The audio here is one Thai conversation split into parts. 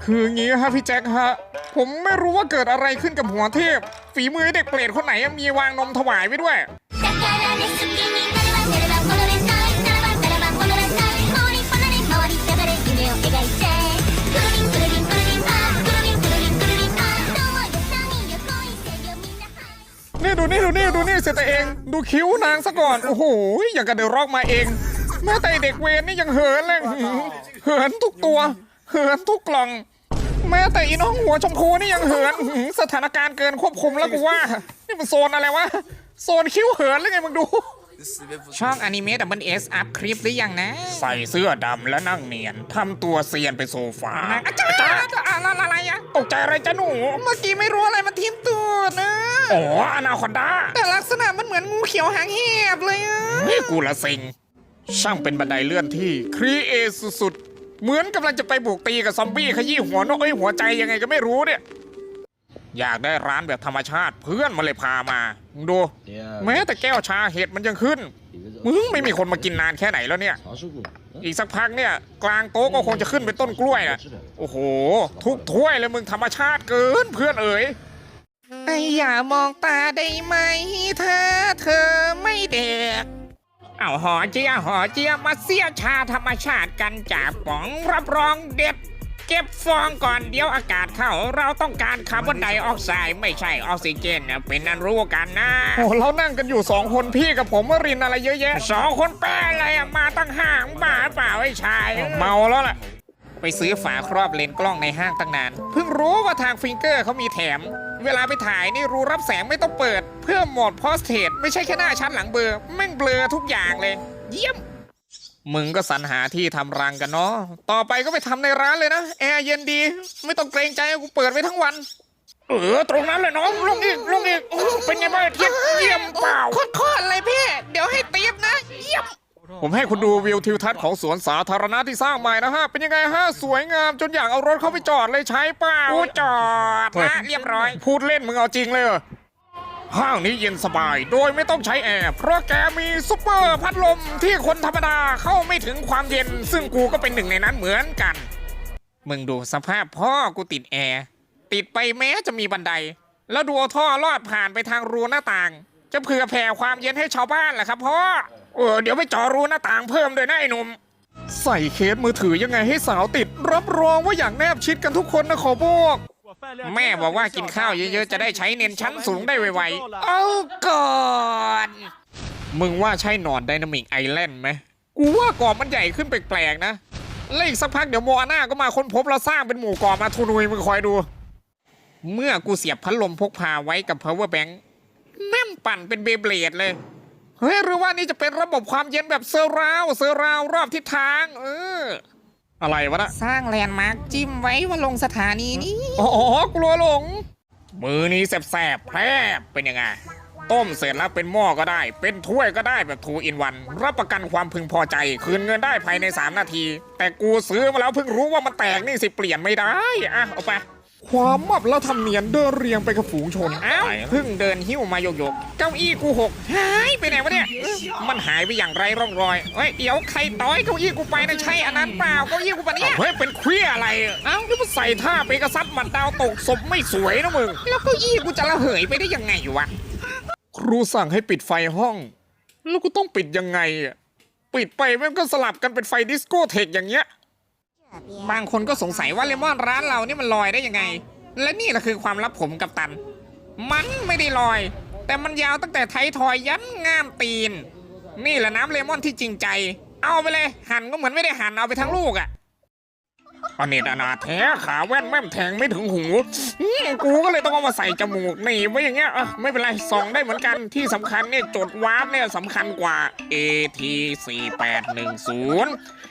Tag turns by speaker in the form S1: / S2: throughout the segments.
S1: คืองี้ฮะพี่แจ็คฮะผมไม่รู้ว่าเกิดอะไรขึ้นกับหัวเทพฝีมือเด็กเปรตคนไหนมีวางนมถวายไว้ด้วยนี่ดูนี่เสร็จแต่เองดูคิ้วนางซะก่อนโอ้โหอย่างกับเดอะร็อกมาเองแม้แต่เด็กเวรนี่ยังเหินเลยเหินทุกตัวเหินทุกกล่องแม้แต่อีน้องหัวชมพูนี่ยังเหินสถานการณ์เกินควบคุมแล้วกูว่านี่มันโซนอะไรวะโซนคิ้วเหินหรือไงมึงดู
S2: ช่องอนิเมะDoubleSอัพคลิปหรือยังนะ
S1: ใส่เสื้อดำและนั่งเนียนทำตัวเซียนไปโซฟา
S2: อาจารย์อะไรอะ
S1: ตกใจอะไรจ้ะหนู
S2: เมื่อกี้ไม่รู้อะไรมันทิ่มตัวนะ
S1: อ๋ออนาคอนดา
S2: แต่ลักษณะมันเหมือนงูเขียวหางแหบเลยอะ
S1: นี่กูละสิงช่างเป็นบันไดเลื่อนที่ครีเอทสุดๆเหมือนกำลังจะไปบุกตีกับซอมบี้ขยี้หัวนกหัวใจยังไงก็ไม่รู้เนี่ยอยากได้ร้านแบบธรรมชาติเพื่อนมาเลยพามาดูแม้แต่แก้วชาเห็ดมันยังขึ้นมึงไม่มีคนมากินนานแค่ไหนแล้วเนี่ยอีกสักพักเนี่ยกลางโต๊ะก็คงจะขึ้นเป็นต้นกล้วยอ่ะโอ้โหทุกถ้วยเลยมึงธรรมชาติเกินเพื่อนเอ๋ย
S2: อย่ามองตาได้ไหมถ้าเธอไม่เด็กเอาหอเจียมาเสียชาธรรมชาติกันจากป๋องรับรองเด็ดเก็บฟองก่อนเดี๋ยวอากาศเข้าเราต้องการคาร์บอนไดออกไซด์ไม่ใช่ออกซิเจนนะเป็นนันรู้กันนะ
S1: โอ้เรานั่งกันอยู่2คนพี่กับผมรินอะไรเยอะแยะ
S2: 2 คนแป้อะไรมาตั้งห้างบ้าเปล่าไอ้ชาย
S1: เมาแล้วแหละ
S2: ไปซื้อฝาครอบเลนส์กล้องในห้างตั้งนานเพิ่งรู้ว่าทางฟิงเกอร์เขามีแถมเวลาไปถ่ายนี่รูรับแสงไม่ต้องเปิดเพื่อโหมดพอสเทรตไม่ใช่แค่หน้าชัดหลังเบลอแม่งเบลอทุกอย่างเลยเยี่ยม
S1: มึงก็สรรหาที่ทำรังกันเนาะต่อไปก็ไปทำในร้านเลยนะแอร์เย็นดีไม่ต้องเกรงใจกูเปิดไว้ทั้งวันตรงนั้นเลยน้องลงอีกเป็นไงบ้างเทียบเยี่ยมเปล่า
S2: โคตรเลยพี่เดี๋ยวให้ติ๊บนะเยี่ยม
S1: ผมให้คุณดูวิวทิวทัศน์ของสวนสาธารณะที่สร้างใหม่นะฮะเป็นยังไงฮะสวยงามจนอยากเอารถเข้าไปจอดเลยใช้เปล่า
S2: กูจอดนะเรียบร้อย
S1: พูดเล่นมึงเอาจริงเลยห้างนี้เย็นสบายโดยไม่ต้องใช้แอร์เพราะแกมีซุปเปอร์พัดลมที่คนธรรมดาเข้าไม่ถึงความเย็นซึ่งกูก็เป็นหนึ่งในนั้นเหมือนกัน
S2: มึงดูสภาพพ่อกูติดแอร์ติดไปแม้จะมีบันไดแล้วดูท่อลอดผ่านไปทางรูหน้าต่างจะเผื่อแผ่ความเย็นให้ชาวบ้านแหละครับพ่อ
S1: เดี๋ยวไปจ่อรูหน้าต่างเพิ่มด้วยนะไอ้หนุ่มใส่เคสมือถือยังไงให้สาวติดรับรองว่าอย่างแนบชิดกันทุกคนนะขอบอก
S2: แม่บอกว่ากินข้าวเยอะๆจะได้ใช้เน้นชั้นสูงได้ไวๆเอาก่อน
S1: มึงว่าใช่หนอนไดนามิกไอแลนด์ไหมกูว่าเกาะมันใหญ่ขึ้นแปลกๆนะแล้วอีกสักพักเดี๋ยวโมอาน่าก็มาค้นพบแล้วสร้างเป็นหมู่เกาะมาทุนุยมึงคอยดู
S2: เมื่อกูเสียบพัดลมพกพาไว้กับ power bank แม่งปั่นเป็นเบเบลดเลย
S1: เฮ้ยหรือว่านี่จะเป็นระบบความเย็นแบบเซอร์ราวรอบทิศทางอะไรวะนะ
S2: สร้างแลนด์มาร์คจิ้มไว้ว่าลงสถานีนี้
S1: อ๋อกลัวหลงมือนี้แสบแพร่เป็นยังไงต้มเสร็จแล้วเป็นหม้อก็ได้เป็นถ้วยก็ได้แบบ2 in 1รับประกันความพึงพอใจคืนเงินได้ภายใน3 นาทีแต่กูซื้อมาแล้วเพิ่งรู้ว่ามันแตกนี่สิเปลี่ยนไม่ได้เอาไปความมับแล้วทำเนียนเดินเรียงไปกับฝูงชน
S2: เพิ่งเดินหิ้วมาโยกเก้าอี้กูหกหายไปไหนวะเนี่ยมันหายไปอย่างไรร่องรอยเดี๋ยวใครต้อยเก้าอี้กูไปนะใช่อันนั้นเปล่าเก้าอี้กูปะเนี่ย
S1: เฮ้ยเป็นเครียอะไรนี่มันใส่ท่าเปกซัสมันดาวตกศพไม่สวยนะมึง
S2: แล้วเก้าอี้กูจะระเหยไปได้ยังไงวะ
S1: ครูสั่งให้ปิดไฟห้องแล้วกูต้องปิดยังไงปิดไปมันก็สลับกันเป็นไฟดิสโก้เทคอย่างเงี้ย
S2: บางคนก็สงสัยว่าเลมอนร้านเรานี่มันลอยได้ยังไงและนี่แหละคือความลับผมกับตันมันไม่ได้ลอยแต่มันยาวตั้งแต่ไททอยยันง่ามตีนนี่แหละน้ำเลมอนที่จริงใจเอาไปเลยหั่นก็เหมือนไม่ได้หั่นเอาไปทั้งลูก
S1: อันนี้อนาแท้ขาแว่นแม่มแทงไม่ถึงหูกูก็เลยต้องเอามาใส่จมูกหนีไว้อย่างเงี้ยไม่เป็นไรส่องได้เหมือนกันที่สำคัญเนี่ยจดวาร์ปเนี่ยสำคัญกว่า AT4810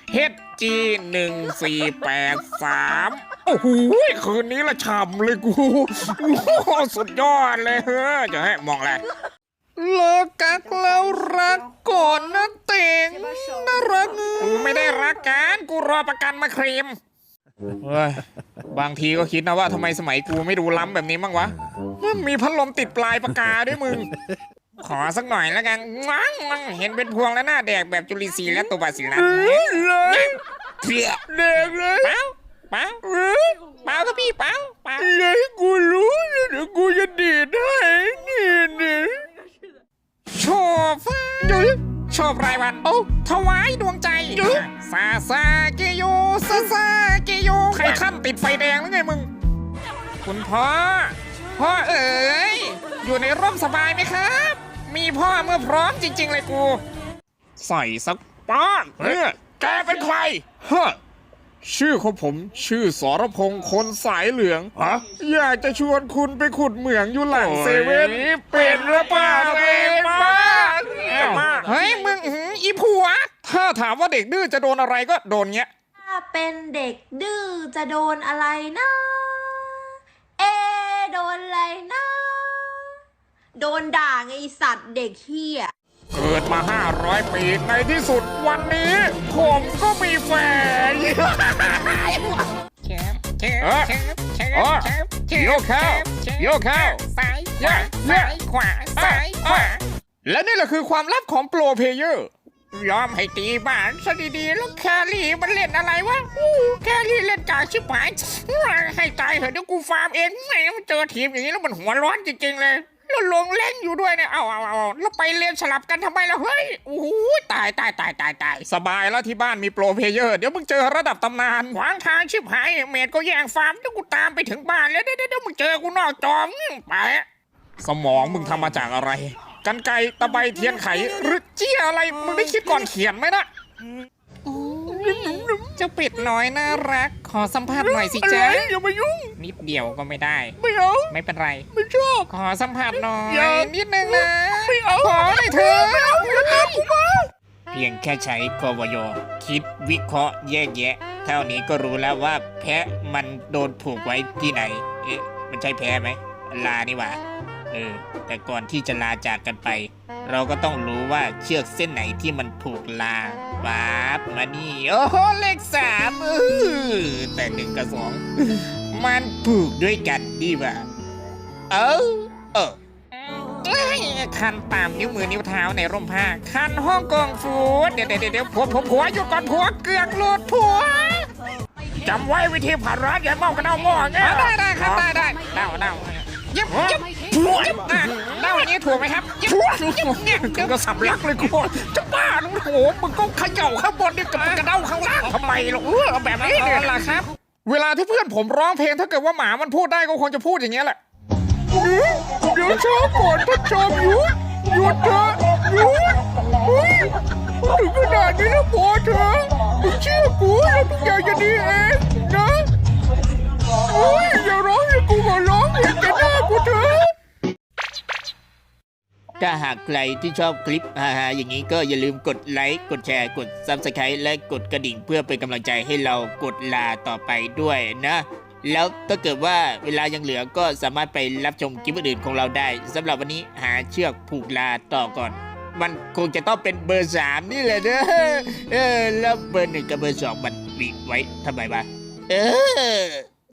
S1: HG1483โอ้โหคืนนี้ละฉ่ำเลยกูสุดยอดเลยจะให้มองอะไร
S2: เลิกกักแล้วรักก่อนนะเต่งน่ารัก
S1: กูไม่ได้รักกันกูรอประกันมาเคลมบางทีก็คิดนะว่าทำไมสมัยกูไม่ดูล้ำแบบนี้บ้างวะมีพัดลมติดปลายปากกาด้วยมึง
S2: ขอสักหน่อยแล้วกันเห็นเป็นพวงแล้วหน้าแดกแบบจุลินทรีย์และตัวบาซิลลัส
S1: เด็กเลย
S2: เปล่าพี่เปล่าเปล่า
S1: อย่าให้กูรู้นะเดี๋ยวกูจะดีดให้นี่
S2: โชว์ฟ้าโชว์รายวันโอ้ถวายดวงใจซาซาเกโยซาซาเกโย
S1: ใครขั้นติดไฟแดงหรือไงมึง
S2: คุณพ่อเอ๋ยอยู่ในร่มสบายไหมครับ มีพ่อเมื่อพร้อมจริง ๆ เลยกู
S1: ใส่สักป้อนแกเป็นใครฮะชื่อของผมชื่อสรพงษ์คนสายเหลืองอยากจะชวนคุณไปขุดเหมืองอยู่หลังเซเว่นเป็นหรือเปล่าเป็นบ้า
S2: เฮ้ยมึงอีผัว
S1: ถ้าถามว่าเด็กดื้อจะโดนอะไรก็โดนเงี้ย
S3: ถ้าเป็นเด็กดื้อจะโดนอะไรนะ เอะโดนอะไรนะ โดนด่าไงไอ้สัตว์เด็กเฮีย
S1: เกิดมา 500 ปีในที่สุดวันนี้ ผมก็มีแฟน
S2: แชมป์แชม
S1: เออ
S2: ป์แชมป์แชม
S1: เออ
S2: ป์แชมป์แชมป์
S1: โยกเข้า
S2: แชมป์
S1: โยกเข้า
S2: ซ้ายข
S1: เย้
S2: วา
S1: เย้
S2: ซ้ายขวาซ้ายขวา
S1: และนี่แหละคือความลับของโปรเพลเยอร์
S2: ยอมให้ตีบ้านซะดีๆแล้วแครี่มันเล่นอะไรวะแครี่เล่นกากชิบหายให้ตายเถอะเดี๋ยวกูฟาร์มเองแหมมันเจอทีมอย่างนี้แล้วมันหัวร้อนจริงๆเลยแล้วลงเล่นอยู่ด้วยเนี่ยเอาแล้วไปเล่นสลับกันทำไมล่ะเฮ้ยโอ้โหตาย
S1: สบายแล้วที่บ้านมีโปรเพลเยอร์ เดี๋ยวมึงเจอระดับตำนาน
S2: ขวางทางชิบหายเมดก็แย่งฟาร์มเดี๋ยวกูตามไปถึงบ้านแล้วเดี๋ยวมึงเจอกูนอกจอมไป
S1: สมองมึงทำมาจากอะไร กันไกรตะไบเทียนไขหรือเจี้ยอะไร มึงได้คิดก่อนเขียนไหมนะ
S2: เจ้าเป็ดน้อยน่ารัก ขอสัมภาษณ์หน่อยสิจ๊ะ
S1: อย่ามายุ่ง
S2: นิดเดียวก็ไม่ได้
S1: ไม่เอา
S2: ไม่เป็นไร
S1: ไม่ชอบ
S2: ขอสัมผัสหน่อย
S1: อย่า
S2: นิดนึงนะ
S1: ไม่เอา
S2: ขอหน่อยเถอะ
S1: ไม่เอาอย่าตามกูมา
S2: เพียงแค่ใช้กวยคิดวิเคราะห์แยกแยะ เท่านี้ก็รู้แล้วว่าแพะมันโดนผูกไว้ที่ไหน เอ๊ะ มันใช่แพะไหม ลานี่หว่า แต่ก่อนที่จะลาจากกันไป เราก็ต้องรู้ว่าเชือกเส้นไหนที่มันผูกลาป๊าบมานี่ โอ้โหเลข3แต่1กับ2มันผูกด้วยกันดีว่าคันตามนิ้วมือนิ้วเท้าในร่มผ้า คันฮ่องกงฟูดเดี๋ยวผัวหยุดก่อนผัวเกือกหลุดผัว
S1: จำไว้วิธีผ่านร้านอย่าเมากระเด้าหม้อไง
S2: ได้ครับได้เด้ายิบเด้าอย่างนี้ถูกไหมครับยิบเนี่ย
S1: กูก็สำลักเลยกูจะบ้าหรือโหมึงก็เขย่าข้างบนนี่กับกระเด้าข้างล่างทำไมล่ะเอาแบบนี้เนี่ย
S2: ล่ะครับ
S1: เวลาที่เพื่อนผมร้องเพลงถ้าเกิดว่าหมามันพูดได้ก็คงจะพูดอย่างเงี้ยแหละเดี๋ยวช้าก่อนท่านจอมหยุดเถอะหยุดเฮ้ยถึงขนาดนี้แล้วพอเถอะมึงเชื่อกูแล้วทุกอย่างจะดีเองนะโอ้ยอย่าร้องให้กูมาร้องเห็นแต่หน้ากูเถอะ
S2: ถ้าหากใครที่ชอบคลิปฮาๆอย่างนี้ก็อย่าลืมกดไลค์กดแชร์กด Subscribe และกดกระดิ่งเพื่อเป็นกำลังใจให้เรากดลาต่อไปด้วยนะ แล้วถ้าเกิดว่าเวลายังเหลือก็สามารถไปรับชมคลิปอื่นๆของเราได้สำหรับวันนี้หาเชือกผูกลาต่อก่อน มันคงจะต้องเป็นเบอร์ 3 นี่แหละเนอะแล้วเบอร์ 1กับเบอร์ 2 มันมีไว้ทำไมวะ